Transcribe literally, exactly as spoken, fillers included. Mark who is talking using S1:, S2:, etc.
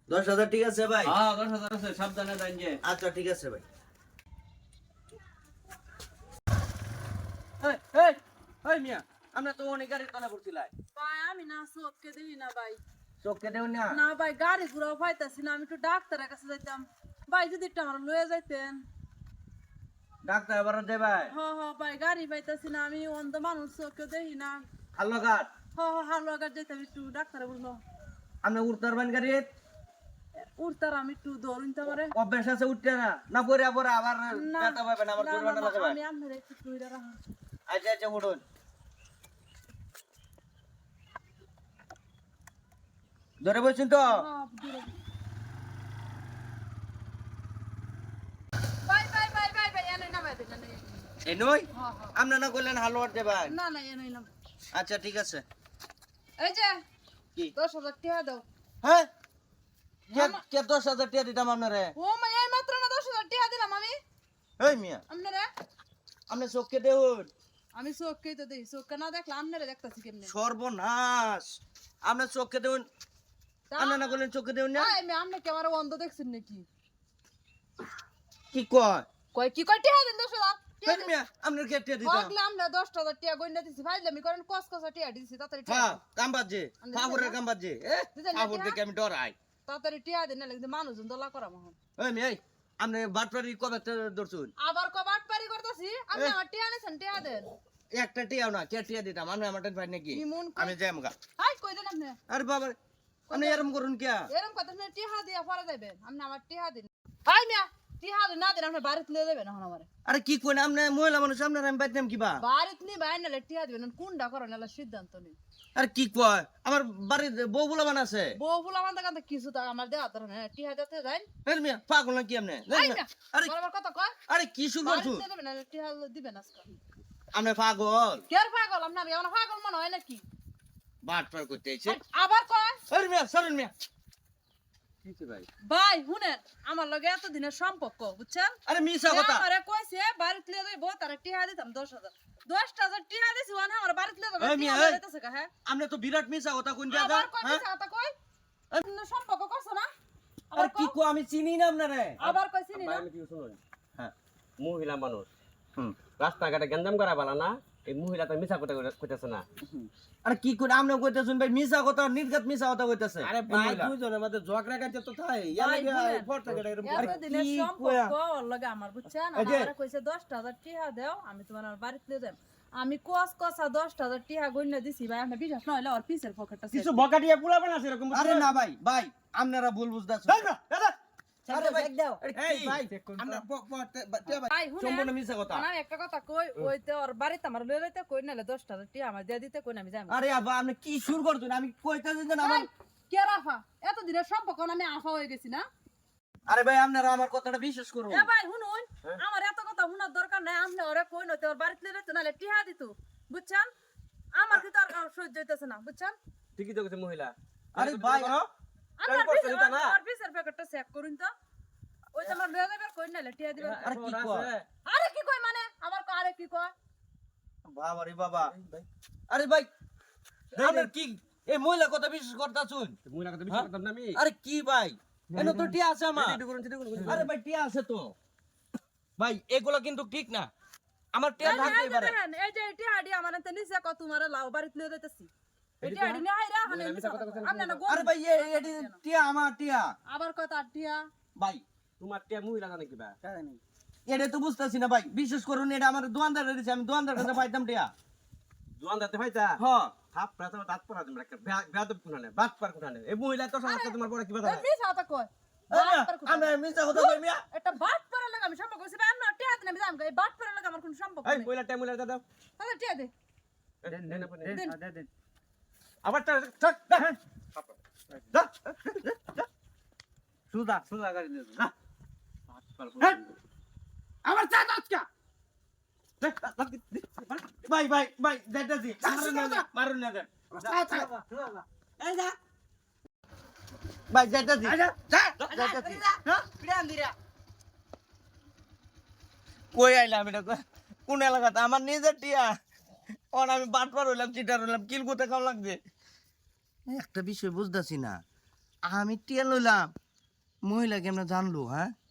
S1: দশ হাজার ঠিক আছে ভাই?
S2: হ্যাঁ দশ হাজার আছে, সাবধানে দেন যে।
S1: আচ্ছা ঠিক আছে ভাই।
S2: এই এই এই মিয়া, আমরা তো অনেক গাড়ি তলা করছিলাই।
S3: ভাই আমি না চোখকে দেখি না ভাই।
S1: চোখকে দেও না।
S3: না ভাই গাড়ি ঘুরাও পাইতাছি না, আমি একটু ডাক্তারের কাছে যাইতাম। ভাই যদি একটু আমার লয়ে যাইতেন।
S1: ডাক্তার এবার দে ভাই।
S3: হ হ ভাই গাড়ি পাইতাছি না, আমি অন্ধ মানুষ চোখকে দেখি না।
S1: হাল্লো ঘাট।
S3: হ হ হালো আগার যাইতাম একটু ডাক্তারে বললো।
S1: আপনি উঠতে পারবেন গাড়ি?
S3: উঠতার আমি একটু দৌড় নিতে পারে।
S1: অভ্যাস আছে উঠতে না? না পরে পরে আবার
S3: না
S1: ব্যথা পাবেন, আবার
S3: না, না,
S1: জরিমানা
S3: না,
S1: লাগাবেন।
S3: আমি আপনার একটু টুইরা রাখা।
S1: আচ্ছা আচ্ছা উঠুন। ধরে বলছেন তো?
S3: হ্যাঁ, দূরে। ভাই ভাই ভাই ভাই ভাই এনে না ভাই দেন না।
S1: এই নই?
S3: হ্যাঁ হ্যাঁ।
S1: আপনি না কইলেন হালুয়া উঠতে ভাই?
S3: না না এনে না।
S1: আচ্ছা ঠিক আছে।
S3: এই যে
S1: কি?
S3: দশ হাজার টাকা দাও।
S1: হ্যাঁ? কে কে দশ হাজার টাকা দিতাম আপনারে?
S3: ও মা এই মাত্র না দশ হাজার টাকা দিলাম আমি
S1: এই মিয়া,
S3: আপনারে।
S1: আপনি চোখকে দেউন।
S3: আমি চোখকেই তো দেখি, চোখকে না দেখলে আপনারে দেখতাছি কেমনে।
S1: সর্বনাশ, আপনি চোখকে দেউন। আপনি না কইলেন চোখকে দেউন না?
S3: আই আমি আপনি কি আমার অন্ধ দেখছেন নাকি?
S1: কি কয়?
S3: কয় কি কয় টাকা দেন দশ হাজার
S1: এই মিয়া, আপনার কে টাকা দিতাম?
S3: হগলে আমরা দশ হাজার টাকা গইনা দিছি ভাইলে আমি করেন কস কস টাকা দিছি তাড়াতাড়ি
S1: হ্যাঁ,
S3: টাকা
S1: কামবাজে,
S3: আমি
S1: ফাবুরের
S3: দিতাম না।
S1: কামবাজে। এ,
S3: দিতাম না
S1: ফাবুর
S3: টাকা?
S1: দেখে আমি ডরাই।
S3: তাড়াতাড়ি টাকা দেন না লাগছে মানুষজন দলা করা মহন।
S1: এই মিয়া, এই, আপনি বাটপারি কবে ধরছুন?
S3: আবার কবাট পারি করতেছি আপনি আমার টাকা নিছেন টাকা দেন।
S1: একটা টিয়াও না, কে টিয়া দিতাম? আপনি আমার টেন পাই নাকি?
S3: ইমন
S1: আমি যাই আমগা।
S3: হাই কই দেন আপনি
S1: আরে বাবা, আপনি এরম করুন কে?
S3: এরকম কথা না টাকা দিয়া পরে যাবেন আপনি আমার টাকা দিন। হাই মিয়া টাকা না দেন আপনি বাড়িতে লয়ে যাবেন এখন আমারে।
S1: আরে কি কইন, আপনি মহিলা মানুষ, আপনার আমি বাইতাম কিবা?
S3: বাড়িতে নি বাইরে নালে টাকা দিবেন কোনটা করেন নালে সিদ্ধান্ত নিন।
S1: আরে কি কয়, আমার বাড়িতে বউ বুলা বানাছে।
S3: বউ ফুলা মানতে কান্তে কিছু তা আমার দেয়া ধরেন টাকা দিতে যাই।
S1: এই মিয়া, পাগল নাকি আপনি?
S3: হাই
S1: জানেন না?
S3: মিয়া
S1: আরে
S3: বরাবর কথা কয়
S1: আরে কি শুরু করছুন?
S3: বাড়িতে দেবেন নালে টাকা দিবেন আজকে।
S1: আপনি পাগল?
S3: কের পাগল আপনি আমি আমার পাগল মনে হয় নাকি?
S1: বাটপার করতে আইছে।
S3: আবার কয়
S1: আরে মিয়া, সরেন মিয়া।
S2: কিছে ভাই?
S3: ভাই শুনেন আমার লগে এত দিনের সম্পর্ক বুঝছেন?
S1: আরে মিছা কথা।
S3: আমারে কইছে বাড়িতে লয়ে যাইবো তারে টাকা দিতাম দশ হাজার। দশ হাজার টাকা দিছি ওনা আমার বাড়িতে লয়ে যাবে
S1: এই মিয়া,
S3: টাকা
S1: এই।
S3: দিতেছে কা হ্যাঁ?
S1: আপনি তো বিরাট মিছা কথা কইন দিয়া
S3: আবার কয়
S1: হ্যাঁ?
S3: মিছা কথা কই? আপনার সম্পর্ক করছ না?
S1: আরে
S3: আবার
S1: কি
S3: কয়?
S1: কো, আমি চিনি না আপনারে।
S3: আবার কইছি নি
S2: ভাই
S3: না?
S2: আমি কি শুনুন,
S1: হ্যাঁ।
S2: মহিলা মানুষ
S1: হুম।
S2: রাস্তাঘাটে গঞ্জাম করা বালা না, এই মহিলা তো মিছা কথা কইতেছে না।
S1: আরে কি কইন, আপনি কইতেছেন ভাই মিছা কথা, নির্ঘাত মিছা কথা কইতেছে।
S4: আরে ভাই দুইজনের মধ্যে ঝগড়া কাটে তো তাই ইয়া
S3: ভাই,
S4: লাগে
S3: শুনেন।
S4: ফট থেকে এরকম
S1: আরে
S3: এত দিনের
S1: কি
S3: সম্পর্ক
S1: কয়া?
S3: ওর লগে আমার বুঝছেন?
S1: এই যে-
S3: আমারে কইছে দশ হাজার টাকা দাও আমি তোমার আমার বাড়িতে লয়ে যাই। আমি কস কসা দশ হাজার টাকা গইনা দিছি ভাই আপনি বিশ্বাস না হইলে ওর পিছের পকেটটা
S4: কিছু বকাটিয়া পোলা বানাছে এরকম
S1: আরে না ভাই, ভাই আপনারা ভুল বুঝতাছেন। আরে ভাই দাও। আরে
S4: এই
S1: কি ভাই?
S4: আমরা প- প- তে- বা- তে-
S3: ভাই শুনেন
S1: সম্পূর্ণ মিছা কথা।
S3: আমি একটা কথা কই ওইতে ওর বাড়িতে আমার লয়ে যাইতে কই নালে দশ হাজার টাকা আমার দিয়ে দিতে কই না আমি যাই।
S1: আরে আব্বা, আপনি কি শুরু করছেন? আমি কইতাছি যে আমার,
S3: কে রাফা এত দিনের সম্পর্ক না আমি আফা হয়ে গেছি না?
S1: আরে ভাই আপনারা আমার কথাটা বিশ্বাস করুন।
S3: এ ভাই শুনুন আমার এত কথা শোনার দরকার নাই আপনি ওরে কই নতে ওর বাড়িতে লয়ে যাইতে নালে টিহা দিত বুঝছেন? আমার কি তো আর সহ্য হইতেছে না বুঝছেন?
S2: ঠিকই তো কইছে মহিলা।
S1: আরে ভাই,
S3: আমার
S2: তারপর
S3: পিছের
S2: চিন্তা না।
S3: আর পিছের প্যাকেটটা চেক করুন তো ওই যে আমার লয়ে যাবে কই নালে টিহা দিবেন।
S1: আরে কি কয়?
S3: আরে কি কই মানে আমার কো আরে কি কয়?
S1: বাবা রে বাবা। আরে ভাই, আপনার কি এই মহিলা কথা বিশ্বাস করতাছুন?
S2: মহিলা কথা বিশ্বাস করতাম না আমি।
S1: আরে কি ভাই, এনে তো টিয়া আছে আমার।
S2: এটা করুন, এটা করুন।
S1: আরে ভাই টিয়া আছে তো ভাই, এগুলো কিন্তু ঠিক না। আমার টিয়া
S3: এই যে-
S1: থাকতেই
S3: এই যে
S1: পারে।
S3: দেখেন, এই যে এটি হাডি আমার এতে নিচে কত তোমারে লাউ বাড়িতে লয়ে যাইতেছি এটি হাডি না হাইরা হানে নিচে আপনি না
S1: আরে ভাই এ এডি টিয়া আমার টিয়া
S3: আবার কত আটিয়া
S1: ভাই,
S2: তোমার টিয়া মহিলা জানে কিবা?
S1: এটা তো বুঝতাছি না ভাই, বিশেষ করুন এটা আমার দোকানদার দিছে, আমি দোকানদার কাছে পাইতাম টিয়া।
S2: জোয়ান দাতে ভাইতা।
S1: হ্যাঁ
S2: থাপ প্রাতা দাঁত পড়া দিম রাখ। বেয়াদব কোনানে, বাট পার কোনানে। এই মহিলা তো সমস্ত তোমার বড় কিবা
S3: এই
S2: জানে?
S3: মিছা কথা কয়
S1: আমরা মিছা কথা কই মিয়া।
S3: একটা বাট পরে লাগে আমি সম্পর্ক কইছি আমি টিয়া দিন আমি জাম এই বাট পরে লাগে আমার কোনো সম্পর্ক
S2: এই
S3: নেই
S2: মহিলা টিয়া মহিলা দাও।
S3: তাহলে টিয়া দে
S2: দেন দেন আপনি।
S3: দেন।
S2: আবার টা ঠাক দা। সুদা সুদা গাড়ি নিয়ে যা।
S4: আমার চা দাও
S1: ভাই ভাই ভাই যাইতাছি, মারুন না দেন, মারুন না দেন।
S4: এই যা
S1: ভাই যাইতাছি,
S4: এই যা যা
S1: যাইতাছি।
S3: প্রিয়ান দিরা
S1: কই আইলাম এটা কই? কোন এলাকাতে? আমার নিজের টিয়া। অন আমি বাটপার হইলাম, চিটার হইলাম, কিল কোথায় খাওয়া লাগবে? একটা বিষয় বুঝতাছি না, আমি টিয়া লইলাম মহিলা কেমন জানলো হ্যাঁ